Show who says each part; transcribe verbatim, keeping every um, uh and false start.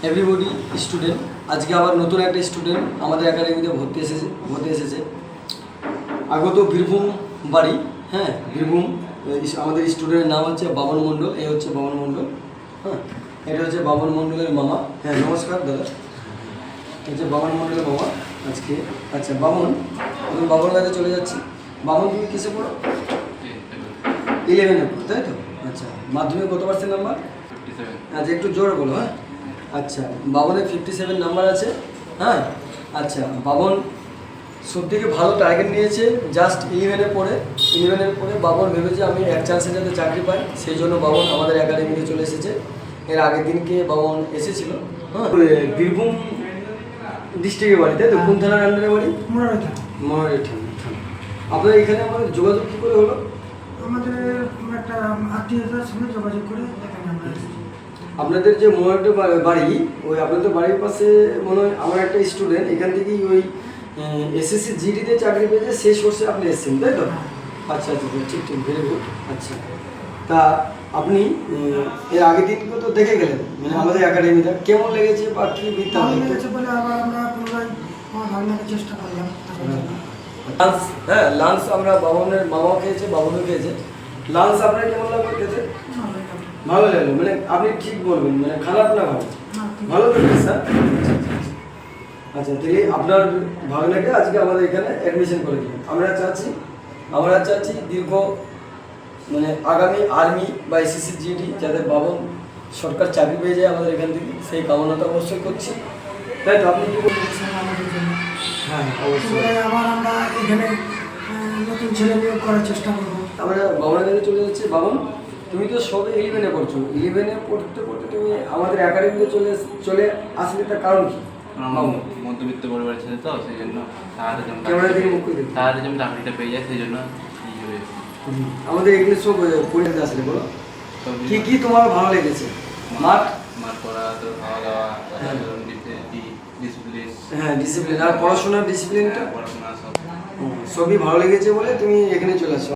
Speaker 1: Everybody student, আজকে আবার নতুন একটা স্টুডেন্ট আমাদের একাডেমিতে ভর্তি এসেছে ভর্তি এসেছে আগত বীরভূম বাড়ি। হ্যাঁ, বীরভূম। আমাদের স্টুডেন্টের নাম হচ্ছে বাবন মণ্ডল। এই হচ্ছে বাবন মণ্ডল। হ্যাঁ, এটা হচ্ছে বাবন মণ্ডলের মামা। হ্যাঁ, নমস্কার দাদা। হচ্ছে বাবন মণ্ডলের মামা আজকে। আচ্ছা বাবন, আমি বাবন কাছে চলে যাচ্ছি। বাবন, তুমি কিসে পড়ো? ইলেভেনে পড়ো, তাই তো? আচ্ছা, মাধ্যমিক কত পার্সেন্ট নাম্বার? আচ্ছা, একটু জোরে বলো। হ্যাঁ, আচ্ছা, বাবনের ফিফটি সেভেন নাম্বার আছে। হ্যাঁ, আচ্ছা, বাবন সব থেকে ভালো টার্গেট নিয়েছে। জাস্ট ইলেভেনে পড়ে ইলেভেনের পরে বাবন ভেবেছে আমি এক চান্সে যাতে চাকরি পাই, সেই জন্য বাবন আমাদের একাডেমিতে চলে এসেছে। এর আগের দিনকে বাবন এসেছিল। হ্যাঁ, বীরভূম ডিস্ট্রিক্টের বাড়ি, তাই তো? কোন থানার আন্ডারে বাড়ি?
Speaker 2: মনোরই থানা।
Speaker 1: মনোরই থানা। আপনার এখানে আমাদের যোগাযোগ কী করে হলো?
Speaker 2: আমাদের একটা আত্মীয়তার সঙ্গে যোগাযোগ করে এখানে আমরা এসেছি।
Speaker 1: আপনাদের যে মনোরটা বাড়ি, ওই আপনাদের বাড়ির পাশে মনে হয় আমার একটা স্টুডেন্ট এখান থেকেই ওই এসএসসি জিডিতে চাকরি পেয়েছে, সেই সোর্সে আপনি এসেছেন, তাই তো? আচ্ছা আচ্ছা, ঠিক ঠিক, ভেরি গুড। আচ্ছা, তা আপনি এর আগের দিনকে তো দেখে গেলেন, মানে আমাদের একাডেমিটা কেমন লেগেছে বা কী
Speaker 2: ভালো
Speaker 1: বৃত্তান্ত?
Speaker 2: লেগেছে বলে আবার আমরা পুনরায় আমার ভাবনাকে চেষ্টা করলাম।
Speaker 1: লাঞ্চ, হ্যাঁ, লাঞ্চ আমরা বাবনের মামাও খেয়েছে, বাবনও খেয়েছে। লাঞ্চ আপনার কেমন লাগলো খেতে? ভালো লাগলো, মানে আপনি ঠিক বলবেন, মানে খারাপ না ভালো? ভালো তো স্যার। আচ্ছা, তাহলে আপনার ভাগনাকে আজকে আমাদের এখানে অ্যাডমিশন করে দিন। আমরা চাচ্ছি আমরা চাচ্ছি দীর্ঘ মানে আগামী আর্মি বা এসএসসি জিডি যাতে বাবন সরকার চাকরি পেয়ে যায় আমাদের এখান থেকে, সেই কামনাটা অবশ্যই করছি, তাই তো? আপনি কি বলবেন?
Speaker 2: আমাদের জন্য
Speaker 1: হ্যাঁ, অবশ্যই।
Speaker 2: পুনরায় আবার আমরা এখানে আহ, নতুন ছেলে নিয়োগ করার চেষ্টা করবো।
Speaker 1: আমরা বাবনের কাছে চলে যাচ্ছি। বাবন, তুমি তো সবে ইলেভেনে পড়ছো। ইলেভেনে পড়তে পড়তে তুমি আমাদের একাডেমিতে চলে চলে আসলে তার কারণ কি? বাবন,
Speaker 3: মধ্যবিত্ত পরিবারের ছেলে তো, সেই জন্য তাড়াতাড়ি যেমন
Speaker 1: ক্যামেরা দিকে মুখ করে দিন।
Speaker 3: তাড়াতাড়ি যেমন চাকরিটা পেয়ে যায়, সেই জন্য এই হয়ে
Speaker 1: আমাদের এগুলো সব পরিণত আসলে বলো কি কি তোমার ভালো লেগেছে? মাঠ,
Speaker 3: মাঠ পড়া, তো খাওয়া দাওয়া, ডিসিপ্লিন,
Speaker 1: হ্যাঁ, ডিসিপ্লিন আর পড়াশোনার ডিসিপ্লিনটা
Speaker 3: পড়াশোনা সব
Speaker 1: সবই ভালো লেগেছে বলে তুমি এখানে চলে আসছো।